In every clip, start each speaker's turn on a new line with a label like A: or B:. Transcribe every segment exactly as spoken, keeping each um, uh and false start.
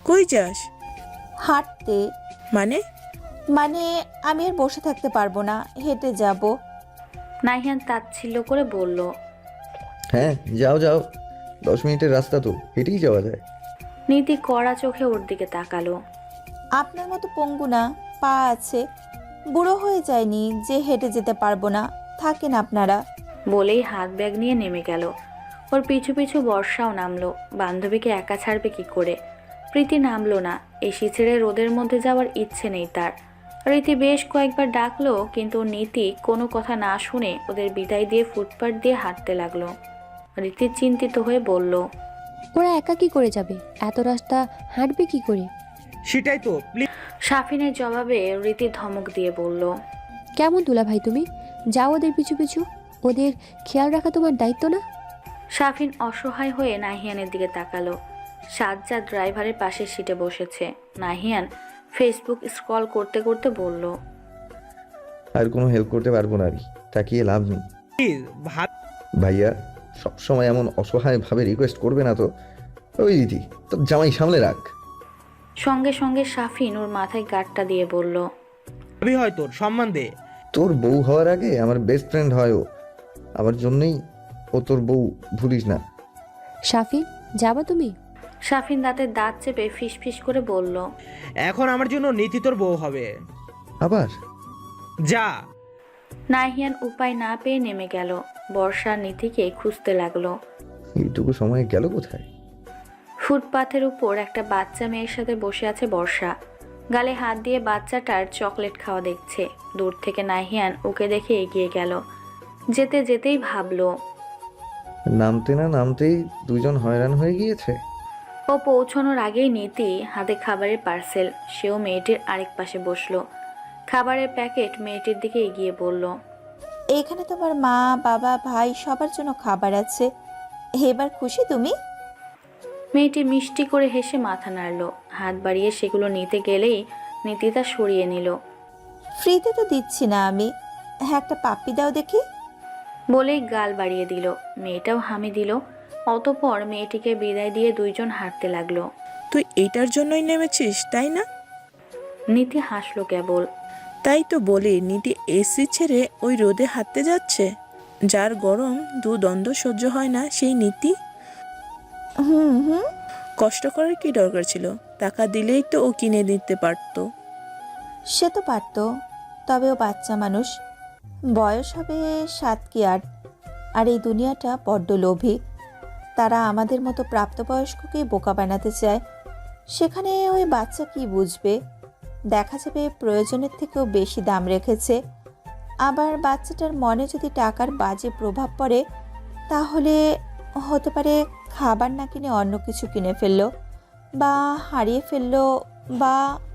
A: কই যাস?
B: হাঁটতে।
A: মানে?
B: মানে আমি আর বসে থাকতে পারবো না, হেঁটে যাব।
C: নাহিয়ান তাচ্ছিল্য করে বলল।
D: হ্যাঁ যাও যাও, দশ মিনিটের রাস্তা তো, হেঁটেই যাওয়া যায়।
C: নীতি কড়া চোখে ওর দিকে তাকালো।
B: আপনার মতো পঙ্গু না, পা আছে, বুড়ো হয়ে যায়নি যে হেঁটে যেতে পারবো না, থাকেন আপনারা।
C: বলেই হাত ব্যাগ নিয়ে নেমে গেল। ওর পিছু পিছু বর্ষাও নামলো। বান্ধবীকে একা ছাড়বে কি করে? প্রীতি নামলো না। এসি ছেড়ে রোদের মধ্যে যাওয়ার ইচ্ছে নেই তার। রীতি বেশ কয়েকবার ডাকলো, কিন্তু নীতি কোনো কথা না শুনে ওদের বিদায় দিয়ে ফুটপাত দিয়ে হাঁটতে লাগলো। রীতি চিন্তিত হয়ে বলল,
E: ওরা একা কি করে যাবে? এত রাস্তা হাঁটবে কি করে?
A: সেটাই তো, প্লিজ।
C: সাফিনের জবাবে রীতি ধমক দিয়ে বলল,
E: কেমন দুলা ভাই তুমি? যাও ওদের পিছু পিছু, ওদের খেয়াল রাখা তোমার দায়িত্ব না?
C: সাফিন অসহায় হয়ে নাহিয়ানের দিকে তাকালো। সাজ্জাদ ড্রাইভারের পাশের সিটে বসেছে। নাহিয়ান ফেসবুক স্ক্রল করতে করতে বলল,
D: আর কোনো হেল্প করতে পারবো না আমি, তাকিয়ে লাভ নেই।
A: ভাব।
D: ভাইয়া সবসময় এমন অসহায় ভাবে রিকোয়েস্ট করবে না তো। ওই দিদি তোর জামাই সামলে রাখ।
C: সঙ্গে সঙ্গে সাফিন ওর মাথায় গাঁটটা দিয়ে বলল,
A: ভাবি হয় তোর সম্মান দে।
D: তোর বউ হওয়ার আগে আমার বেস্ট ফ্রেন্ড হয় ও, আমার জন্যই ও তোর বউ, ভুলিস না।
E: সাফিন, যাবা তুমি?
C: সাফিন দাঁতের দাঁত চেপে ফিস ফিস করে বলল,
A: এখন আমার জন্য নীতি তোর বউ হবে।
D: আবার
A: যা।
C: নাহিয়ান উপায় না পেয়ে নেমে গেল। বর্ষা নীতিকে খুঁজতে লাগলো।
D: এইটুকু সময় গেল কোথায়?
C: ফুটপাথের উপর একটা বাচ্চা মেয়ের সাথে বসে আছে বর্ষা। গালে হাত দিয়ে বাচ্চাটার চকলেট খাওয়া দেখছে। দূর থেকে নাহিয়ান ওকে দেখে এগিয়ে গেল। যেতে যেতেই ভাবলো,
D: নামতে না নামতেই দুজন হয়রান হয়ে গিয়েছে।
C: ও পৌঁছানোর আগেই নীতি হাতে খাবারের পার্সেল। সেও মেয়েটির আরেক পাশে বসলো। খাবারের প্যাকেট মেয়েটির দিকে এগিয়ে বলল,
B: এখানে তোমার মা, বাবা, ভাই সবার জন্য খাবার আছে, এবার খুশি তুমি?
C: মেয়েটি মিষ্টি করে হেসে মাথা নাড়ল। হাত বাড়িয়ে সেগুলো নিতে গেলেই নীতি তা সরিয়ে নিল।
B: ফ্রিতে তো দিচ্ছি না আমি, হ্যাঁ একটা পাপ্পি দাও দেখি।
C: বলেই গাল বাড়িয়ে দিল। মেয়েটাও হামি দিল। অতঃপর মেয়েটিকে বিদায় দিয়ে দুইজন হাঁটতে লাগলো।
A: তুই এটার জন্যই নেমেছিস তাই না?
C: নীতি হাসলো কেবল।
A: তাই তো বলি, নীতি এসি ছেড়ে ওই রোদে হাঁটতে যাচ্ছে। যার গরম দু দ্বন্দ্ব সহ্য হয় না, সেই নীতি
B: হুম হুম
A: কষ্ট করার কি দরকার ছিল? টাকা দিলেই তো ও কিনে দিতে পারতো।
B: সে তো পারতো, তবে ও বাচ্চা মানুষ, বয়স হবে সাত কি আট। আর এই দুনিয়াটা বড্ড লোভী, তারা আমাদের মতো প্রাপ্তবয়স্ককে বোকা বানাতে চায়। সেখানে ওই বাচ্চা কি বুঝবে? দেখা যাবে প্রয়োজনের থেকেও বেশি দাম রেখেছে। আবার বাচ্চাটার মনে যদি টাকার বাজে প্রভাব পড়ে, তাহলে হতে পারে খাবার না কিনে অন্য কিছু কিনে ফেললো, বা হারিয়ে ফেললো, বা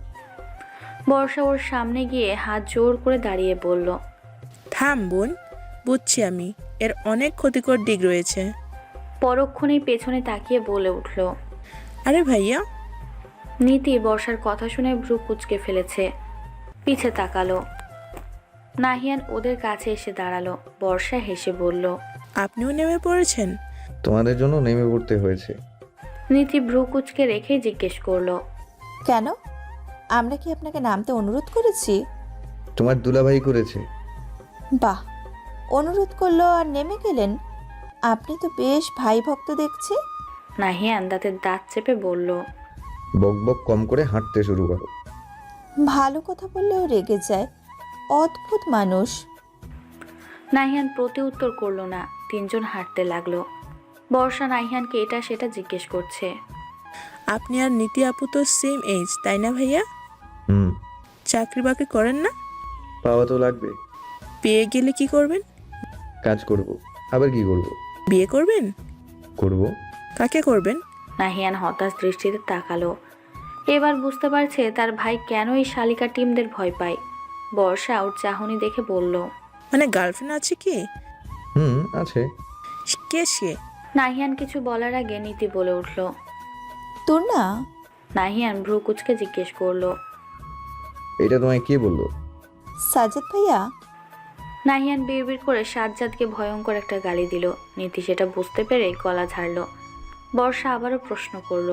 C: বর্ষা ওর সামনে গিয়ে হাত জোর করে দাঁড়িয়ে বলল,
A: থাম বোন, বুঝছি আমি, এর অনেক ক্ষতিকর দিক রয়েছে।
C: পরক্ষণেই পেছনে তাকিয়ে বলে উঠল।
A: আরে ভাইয়া।
C: নীতি বর্ষার কথা শুনে ভ্রু কুঁচকে ফেলেছে। পিছে তাকালো। নাহিয়ান ওদের কাছে এসে দাঁড়ালো। বর্ষা হেসে বলল,
A: আপনিও নেমে পড়েছেন?
D: তোমাদের জন্য নেমে পড়তে হয়েছে।
C: নীতি ভ্রু কুঁচকে রেখেই জিজ্ঞেস করলো,
B: কেন? আমরা কি আপনাকে নামতে অনুরোধ করেছি?
D: তোমার দুলাভাই করেছে।
B: বাহ, অনুরোধ করলো আর নেমে গেলেন? আপনি তো বেশ ভাই ভক্ত দেখছি।
C: নাহিয়ান দাঁতের দাঁত চেপে বলল,
D: বক বক কম করে হাঁটতে শুরু করো।
B: ভালো কথা বললেও রেগে যায়, অদ্ভুত মানুষ।
C: নাহিয়ান প্রতি উত্তর করলো না। তিনজন হাঁটতে লাগলো। বর্ষা নাহিয়ানকে এটা সেটা জিজ্ঞেস করছে।
A: আপনি আর নীতি আপু তো সেম এজ তাই না ভাইয়া?
D: হুম।
A: চাকরি বাকরি করেন না?
D: পাওয়া তো লাগবে।
A: পেয়ে গেলে কি করবেন?
D: কাজ করব, আবার কি করব?
A: বিয়ে করবেন?
D: করব।
A: কাকে করবেন?
C: নাহিয়ান হতাশ দৃষ্টিতে তাকালো। এবার বুঝতে পারছে তার ভাই কেন এই শালিকা টিমদের ভয় পায়। বর্ষা ওর চাহনি দেখে বলল,
A: মানে গার্লফ্রেন্ড আছে কি?
D: হুম আছে।
A: কে সে?
C: নাহিয়ান কিছু বলার আগে নীতি বলে উঠল,
B: তোর না?
C: নাহিয়ান ভ্রু কুচকে জিজ্ঞেস করলো,
D: এটা তোমায় কে বললো?
B: সাজ্জাদ ভাইয়া।
C: নাহিয়ান বিড়বিড় করে সাজ্জাদকে ভয়ঙ্কর একটা গালি দিল। নীতি সেটা বুঝতে পেরে গলা ঝাড়ল। বর্ষা আবারও প্রশ্ন করলো,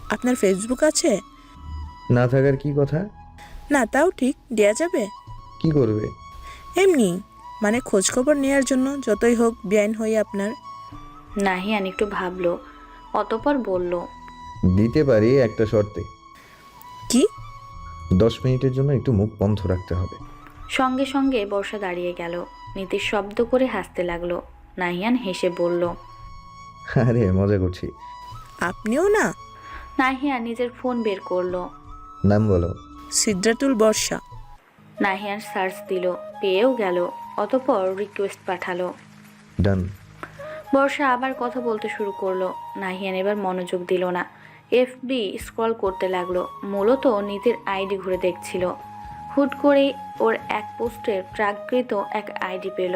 A: আপনার ফেসবুক আছে?
D: না থাকার কি কথা?
A: না তাও ঠিক, দেয়া যাবে।
D: কি করবে?
A: এমনি, মানে খোঁজখবর নেওয়ার জন্য, যতই হোক বেআইন হই আপনার।
C: নাহিয়ান একটু ভাবলো, অতপর বলল,
D: দিতে পারি একটা শর্তে।
A: কি?
D: দশ মিনিটের জন্য একটু মুখ বন্ধ রাখতে হবে।
C: সঙ্গে সঙ্গে বর্ষা দাঁড়িয়ে গেল। নীতি শব্দ করে হাসতে লাগলো। নাহিয়ান হেসে বলল,
D: আরে মজা করছি।
A: আপনিও না?
C: নাহিয়ান নিজের ফোন বের করলো।
D: নাম বলো।
A: সিদ্ধাতুল বর্ষা।
C: নাহিয়ান সার্চ দিল, পেয়েও গেল। অতপর রিকোয়েস্ট পাঠালো।
D: ডান।
C: বর্ষা আবার কথা বলতে শুরু করলো। নাহিয়ান এবার মনোযোগ দিল না, এফবি স্ক্রল করতে লাগলো। মূলত নীতির আইডি ঘুরে দেখছিল। হুট করেই ওর এক পোস্টের প্রাকৃত এক আইডি পেল।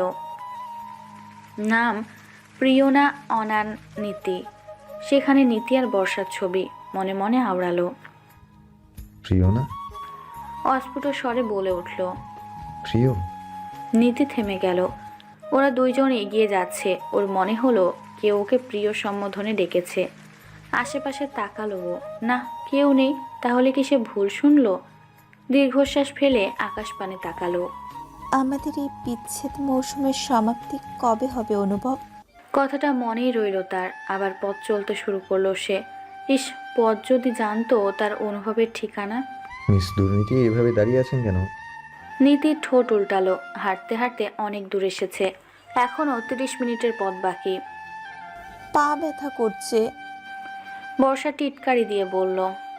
C: নাম প্রিয়না অনান নীতি। সেখানে নীতি আর বর্ষার ছবি। মনে মনে আওড়ালো।
D: প্রিয় না?
C: অস্ফুট স্বরে বলে উঠল।
D: প্রিয়?
C: নীতি থেমে গেল। ওরা দুইজন এগিয়ে যাচ্ছে। ওর মনে হলো কেউ ওকে প্রিয় সম্বোধনে ডেকেছে। আশেপাশে তাকালো ও, না কেউ নেই। তাহলে কি সে ভুল শুনলো? দীর্ঘশ্বাস ফেলে আকাশ পানে তাকালো।
B: আমাদের এই বিচ্ছেদ মৌসুমের সমাপ্তি কবে হবে অনুভব?
C: কথাটা মনেই রইল তার। আবার পথ চলতে শুরু করলো সে। ইস, পথ যদি জানতো তার অনুভবের ঠিকানা।
D: মিস দুর্নীতি এভাবে দাঁড়িয়ে আছেন কেন?
C: নীতির ঠোঁট উল্টালো। হাঁটতে হাঁটতে অনেক দূর এসেছে। এখনও তিরিশ মিনিটের পথ বাকি।
B: পা ব্যথা করছে।
C: বর্ষা টিটকারি দিয়ে বলল,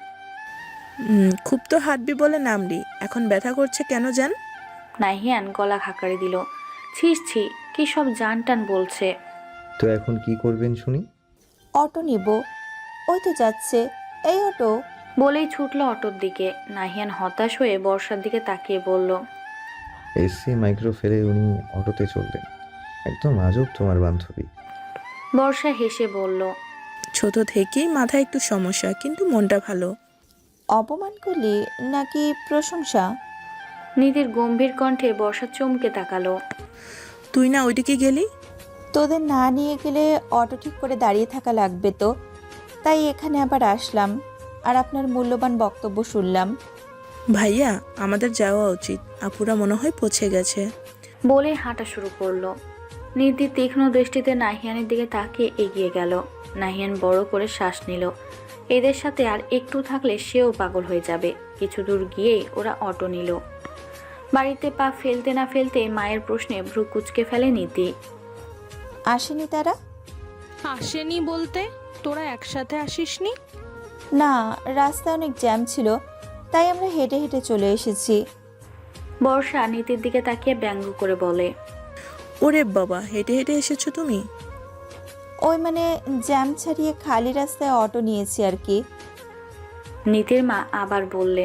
A: উম, খুব তো হাঁটবি বলে নামলি, এখন ব্যথা করছে কেন জান?
C: নাহিয়ান গলা খাকারি দিল। ছিস ছি, কি সব জান টান বলছে।
D: তো এখন কি করবেন শুনি?
B: অটো নিব। ওই তো যাচ্ছে, এই অটো।
C: বলেই ছুটল অটোর দিকে। নাহিয়ান হতাশ হয়ে বর্ষার দিকে তাকিয়ে বলল,
D: এসি মাইক্রো ফেলে উনি অটোতে চললেন। একদম আজব তোমার বান্ধবী।
C: বর্ষা হেসে বলল,
A: ছোট থেকেই মাথায় একটু সমস্যা, কিন্তু মনটা ভালো।
B: অপমান করলি নাকি প্রশংসা?
C: নীতির গম্ভীর কণ্ঠে বর্ষা চমকে তাকালো।
A: তুই না ওইদিকে গেলি?
B: তোদের না নিয়ে গেলে অটো ঠিক করে দাঁড়িয়ে থাকা লাগবে তো, তাই এখানে আবার আসলাম আর আপনার মূল্যবান বক্তব্য শুনলাম।
A: ভাইয়া, আমাদের যাওয়া উচিত, আপুরা মনে হয় পৌঁছে গেছে।
C: বলে হাঁটা শুরু করলো। নীতি তীক্ষ্ণ দৃষ্টিতে নাহিয়ানের দিকে তাকিয়ে এগিয়ে গেল। নাহিয়ান বড় করে শ্বাস নিল। এদের সাথে আর একটু থাকলে সেও পাগল হয়ে যাবে। কিছু দূর গিয়েই ওরা অটো নিল। বাড়িতে পা ফেলতে না ফেলতে মায়ের প্রশ্নে ভ্রু কুঁচকে ফেলে নীতি।
B: আসেনি তারা?
F: আসেনি বলতে, তোরা একসাথে আসিসনি?
B: না, রাস্তায় অনেক জ্যাম ছিল, তাই আমরা হেঁটে হেঁটে চলে এসেছি।
C: বর্ষা নীতির দিকে তাকিয়ে ব্যঙ্গ করে বলে,
A: ওরে বাবা, হেঁটে হেঁটে এসেছো তুমি?
B: ওই মানে জ্যাম ছাড়িয়ে খালি রাস্তায় অটো নিয়েছি আর কি।
C: নীতির মা আবার বললেন,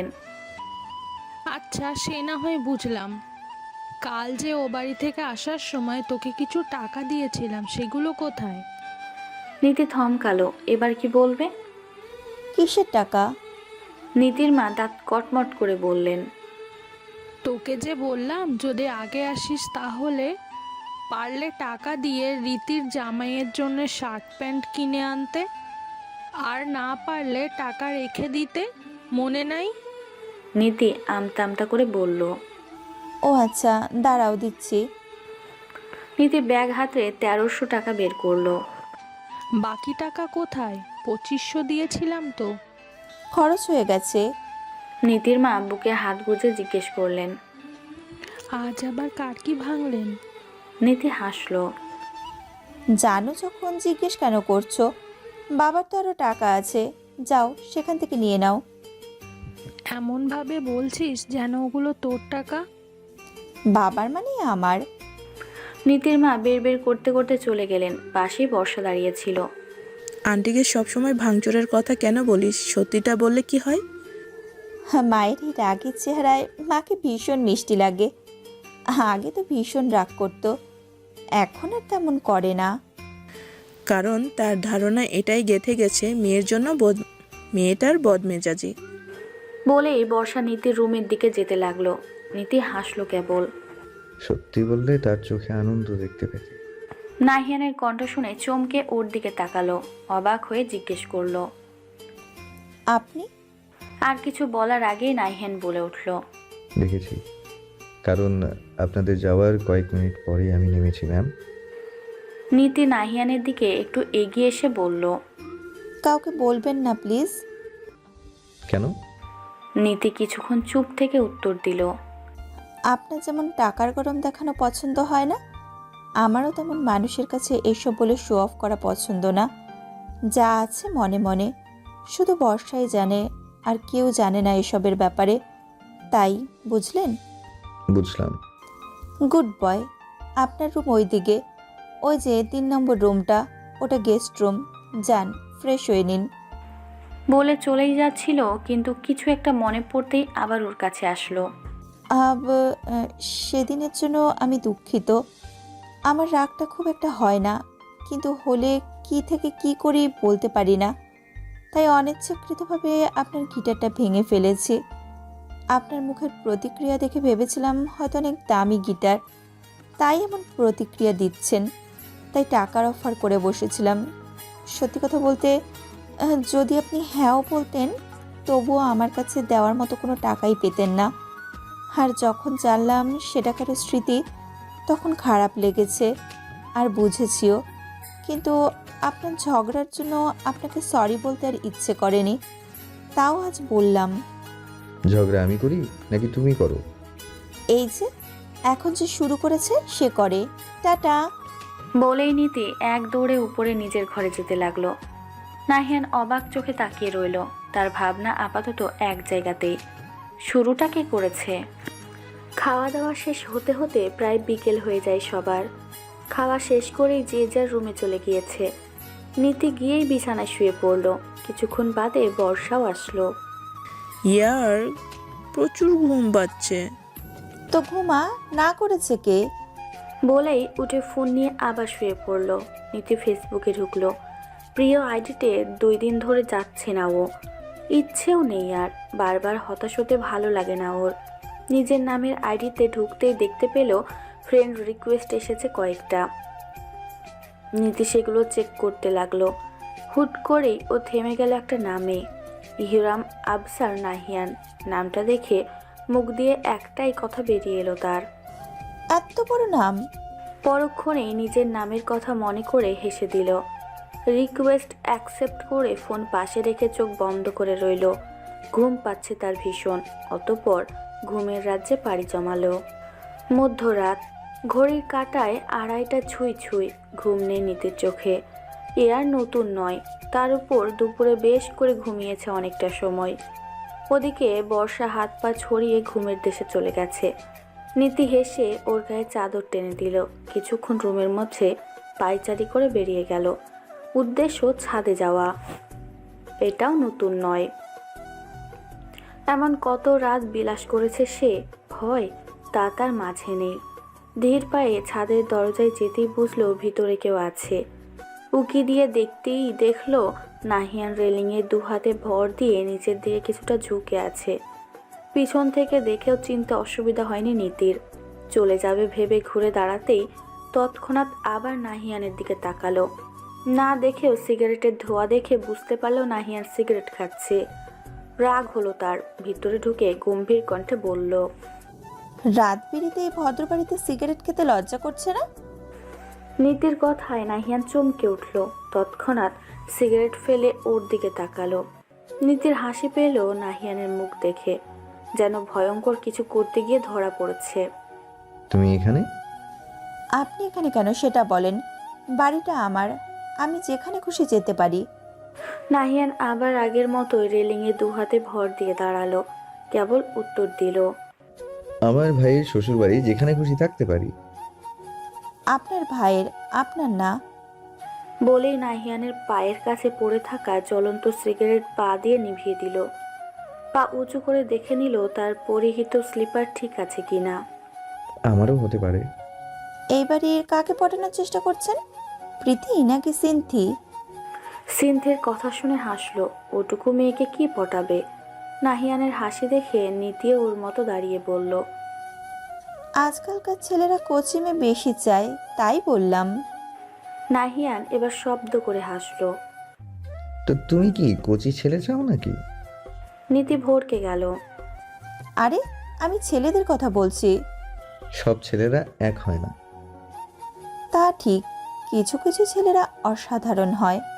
F: আচ্ছা সে না হয় বুঝলাম। কাল যে ও বাড়ি থেকে আসার সময় তোকে কিছু টাকা দিয়েছিলাম, সেগুলো কোথায়?
C: নীতি থমকালো। এবার কি বলবে?
B: কিসের টাকা?
C: নীতির মা দাঁত কটমট করে বললেন,
F: তোকে যে বললাম যদি আগে আসিস তাহলে পারলে টাকা দিয়ে রীতির জামাইয়ের জন্য শার্ট প্যান্ট কিনে আনতে, আর না পারলে টাকা রেখে দিতে, মনে নাই?
C: নীতি আমতা আমতা করে বলল।
B: ও আচ্ছা, দাঁড়াও দিচ্ছি।
C: নীতি ব্যাগ হাতে তেরোশো টাকা বের করলো।
F: বাকি টাকা কোথায়? পঁচিশশো দিয়েছিলাম তো।
B: খরচ হয়ে গেছে।
C: নীতির মা বুকে হাত গুজে জিজ্ঞেস করলেন,
F: আজ আবার কার কি ভাঙলেন?
C: নীতি হাসলো।
B: জানো যখন জিজ্ঞেস কেন করছো? বাবার তো আরও টাকা আছে, যাও সেখান থেকে নিয়ে নাও।
F: এমনভাবে বলছিস যেন ওগুলো তোর টাকা।
B: বাবার মানে আমার।
C: নীতির মা বের বের করতে করতে চলে গেলেন। পাশেই বর্ষা দাঁড়িয়েছিল।
A: আন্টিকে সবসময় ভাঙচুরের কথা কেন বলিস? সত্যিটা বললে কি হয়?
B: মায়ের এই রাগের চেহারায় মাকে ভীষণ মিষ্টি লাগে। আগে তো ভীষণ রাগ করতো, এখন আর তেমন করে না।
A: কারণ তার ধারণা এটাই গেঁথে গেছে, মেয়ের জন্য বদ মেয়েটার বদমেজাজি।
C: বলেই বর্ষা নীতির রুমের দিকে যেতে লাগলো। নীতি হাসলো কেবল।
D: সত্যি বললে তার চোখে আনন্দ দেখতে পেতে।
C: নাহিয়ানের কণ্ঠ শুনে চমকে ওর দিকে তাকালো। অবাক হয়ে জিজ্ঞেস করলো,
B: আপনি?
C: আর কিছু বলার আগেই নাহিয়ান বলে উঠল,
D: দেখেছি, কারণ আপনাদের যাওয়ার কয়েক মিনিট পরেই আমি নেমেছি ম্যাম।
C: নীতি নাহিয়ানের দিকে একটু এগিয়ে এসে বলল,
B: কাউকে বলবেন না প্লিজ।
D: কেন?
C: নীতি কিছুক্ষণ চুপ থেকে উত্তর দিল,
B: আপনার যেমন টাকার গরম দেখানো পছন্দ হয় না, আমারও তেমন মানুষের কাছে এসব বলে শো অফ করা পছন্দ না। যা আছে মনে মনে, শুধু বর্ষাই জানে, আর কেউ জানে না এসবের ব্যাপারে। তাই বুঝলেন?
D: বুঝলাম।
B: Good boy. আপনার রুম ওই দিকে, ওই যে তিন নম্বর রুমটা, ওটা গেস্ট রুম। যান, ফ্রেশ হয়ে নিন।
C: বলে চলেই যাচ্ছিল, কিন্তু কিছু একটা মনে পড়তেই আবার ওর কাছে আসলো।
B: আব আহ, সেদিনের জন্য আমি দুঃখিত। আমার রাগটা খুব একটা হয় না, কিন্তু হলে কি থেকে কি করি বলতে পারি না। তাই অনিচ্ছাকৃতভাবে আপনার গিটারটা ভেঙে ফেলেছি। আপনার মুখের প্রতিক্রিয়া দেখে ভেবেছিলাম হয়তো অনেক দামি গিটার, তাই এমন প্রতিক্রিয়া দিচ্ছেন। তাই টাকার অফার করে বসেছিলাম। সত্যি কথা বলতে, আহ, যদি আপনি হ্যাঁও বলতেন, তবুও আমার কাছে দেওয়ার মতো কোনো টাকাই পেতেন না। আর যখন জানলাম সেটা কারো স্মৃতি, তখন খারাপ লেগেছে আর বুঝেছিও। কিন্তু আপনার ঝগড়ার জন্য আপনাকে সরি বলতে আর ইচ্ছে করেনি, তাও আজ বললাম।
D: ঝগড়া আমি করি নাকি তুমি করো?
B: এই যে এখন যে শুরু করেছে সে করে। টাটা।
C: বলেই নীতি এক দৌড়ে উপরে নিজের ঘরে যেতে লাগলো। নাহিয়ান অবাক চোখে তাকিয়ে রইল। তার ভাবনা আপাতত এক জায়গাতেই। শুরুটা কে করেছে? খাওয়া দাওয়া শেষ হতে হতে প্রায় বিকেল হয়ে যায় সবার। খাওয়া শেষ করেই যে যার রুমে চলে গিয়েছে। নীতি গিয়েই বিছানায় শুয়ে পড়ল। কিছুক্ষণ বাদে বর্ষাও আসলো।
A: ইয়ার প্রচুর ঘুম পাচ্ছে।
B: তো ঘুমা, না করেছে কে?
C: বলেই উঠে ফোন নিয়ে আবার শুয়ে পড়ল। নীতি ফেসবুকে ঢুকলো। প্রিয় আইডিতে দুই দিন ধরে যাচ্ছে না ও। ইচ্ছেও নেই আর। বারবার হতাশ হতে ভালো লাগে না ওর। নিজের নামের আইডিতে ঢুকতেই দেখতে পেল ফ্রেন্ড রিকোয়েস্ট এসেছে কয়েকটা। নীতি সেগুলো চেক করতে লাগলো। হুট করেই ও থেমে গেল একটা নামে, ইহরাম আবসার নাহিয়ান। নামটা দেখে মুখ দিয়ে একটাই কথা বেরিয়ে এলো তার,
B: এত বড় নাম!
C: পরক্ষণেই নিজের নামের কথা মনে করে হেসে দিল। রিকোয়েস্ট অ্যাকসেপ্ট করে ফোন পাশে রেখে চোখ বন্ধ করে রইল। ঘুম পাচ্ছে তার ভীষণ। অতঃপর ঘুমের রাজ্যে পাড়ি জমালো। মধ্যরাত, ঘড়ির কাঁটায় আড়াইটা ছুঁই ছুঁই। ঘুম নেই নীতির চোখে। এ আর নতুন নয়। তার উপর দুপুরে বেশ করে ঘুমিয়েছে অনেকটা সময়। ওদিকে বর্ষা হাত পা ছড়িয়ে ঘুমের দেশে চলে গেছে। নীতি হেসে ওর গায়ে চাদর টেনে দিল। কিছুক্ষণ রুমের মধ্যে পায়চারি করে বেরিয়ে গেল। উদ্দেশ্য ছাদে যাওয়া। এটাও নতুন নয়। এমন কত রাত বিলাস করেছে সে, ভয় তা তার মাঝে নেই। ধীর পায়ে ছাদের দরজায় যেতেই বুঝলো ভিতরে কেউ আছে। উকি দিয়ে দেখতেই দেখলো নাহিয়ান রেলিংয়ে দু হাতে ভর দিয়ে নিচের দিকে কিছুটা ঝুঁকে আছে। পিছন থেকে দেখেও চিনতে অসুবিধা হয়নি নীতির। চলে যাবে ভেবে ঘুরে দাঁড়াতেই তৎক্ষণাৎ আবার নাহিয়ানের দিকে তাকালো। না দেখেও সিগারেটের ধোঁয়া দেখে বুঝতে পারলো নাহিয়ান সিগারেট খাচ্ছে। রাগ হলো তার। ভিতরে ঢুকে গম্ভীর কণ্ঠে বলল,
B: রাত বিরিতে এই ভদ্র বাড়িতে সিগারেট খেতে লজ্জা করছে না?
C: নীতির কথায় নাহিয়ান চমকে উঠল। তৎক্ষণাৎ সিগারেট ফেলে ওর দিকে তাকালো। নীতির হাসি পেল নাহিয়ানের মুখ দেখে, যেন ভয়ঙ্কর কিছু করতে গিয়ে ধরা পড়েছে।
D: তুমি এখানে?
B: আপনি এখানে কেন সেটা বলেন। বাড়িটা আমার, আমি যেখানে খুশি যেতে পারি।
C: নাহিয়ান আবার আগের মতোই রেলিংয়ে দু হাতে ভর দিয়ে দাঁড়ালো। কেবল উত্তর দিল,
D: আমার ভাইয়ের শ্বশুরবাড়ি, যেখানে খুশি থাকতে পারি।
B: আপনার ভাইয়ের, আপনার না।
C: বলেই নাহিয়ানের পায়ের কাছে পড়ে থাকা জ্বলন্ত সিগারেট পা দিয়ে নিভিয়ে দিল। পা উঁচু করে দেখে নিল তার পরিহিত স্লিপার ঠিক আছে কিনা।
D: আমারও হতে পারে।
B: এই বাড়ির কাকে পটানোর চেষ্টা করছেন? প্রীতি নাকি সিনথি?
C: সিনথের কথা শুনে হাসলো। ওটুকু মেয়েকে কি পটাবে? নাহিয়ানের হাসি দেখে নীতিও ওর মতো দাঁড়িয়ে বলল,
B: আজকালকার ছেলেরা কোচিমে বেশি চায়, তাই বললাম।
C: নাহিয়ান এবার শব্দ করে হাসলো।
D: তো তুমি কি কচি ছেলে চাও নাকি?
C: নীতি ভড়কে গেল।
B: আরে আমি ছেলেদের কথা বলছি।
D: সব ছেলেরা এক হয় না।
B: তা ঠিক, কিছু কিছু ছেলেরা অসাধারণ হয়।